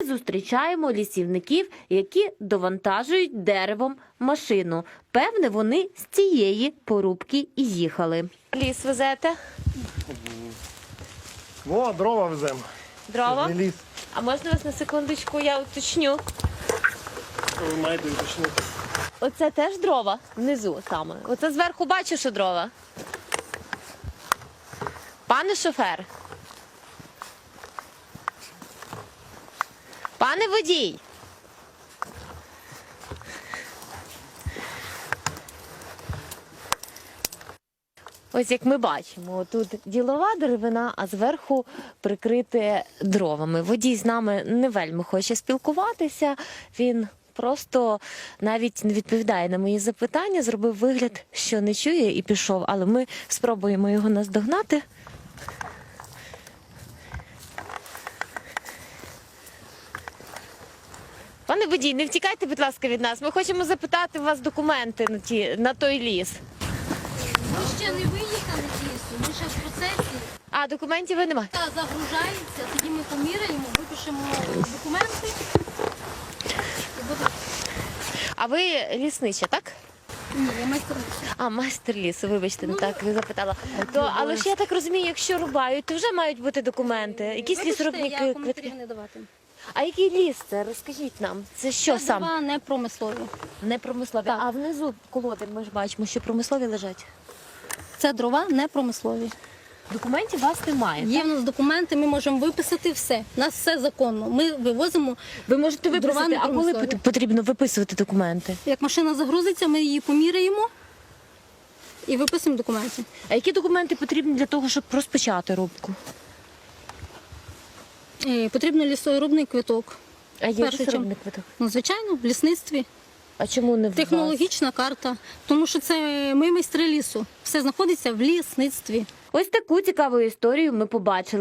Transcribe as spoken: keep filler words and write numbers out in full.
зустрічаємо лісівників, які довантажують деревом машину. Певне, вони з цієї порубки і їхали. Ліс везете? О, дрова веземо. Дрова? Це не ліс. А можна вас на секундочку, я уточню. Ви маєте уточнити. Оце теж дрова? Внизу саме. Оце зверху бачу, що дрова. Пане шофер. Пане водій. Ось як ми бачимо, тут ділова деревина, а зверху прикрите дровами. Водій з нами не вельми хоче спілкуватися, він просто навіть не відповідає на мої запитання, зробив вигляд, що не чує і пішов, але ми спробуємо його наздогнати. Пане водій, не втікайте, будь ласка, від нас. Ми хочемо запитати у вас документи на, ті, на той ліс. Ми ще не виїхали з лісу, ми ще в процесі. А, документів ви немає? Та загружається, тоді ми поміряємо, випишемо документи. І буде... А ви ліснича, так? Ні, я майстер лісу. А, майстер лісу, вибачте, не так ви запитала. То, але ж я так розумію, якщо рубають, то вже мають бути документи. Якісь Вибачте, лісорубники, я квитки. коментарів не давати. А який ліс це? Розкажіть нам. Це що Це сам? дрова не промислові. Не промислові. А внизу колоди ми ж бачимо, що промислові лежать. Це дрова не промислові. Документів у вас немає. Є в нас документи, ми можемо виписати все. У нас все законно. Ми вивозимо, Ви можете Дрова виписати, не а коли промислові. пот- потрібно виписувати документи? як машина загрузиться, ми її поміряємо і виписуємо документи. А які документи потрібні для того, щоб розпочати рубку? Е, Потрібно лісорубний квиток. А є Перше, лісорубний квиток? Ну, звичайно, в лісництві. А чому не в вас? Технологічна карта, тому що це ми майстри лісу. Все знаходиться в лісництві. Ось таку цікаву історію ми побачили.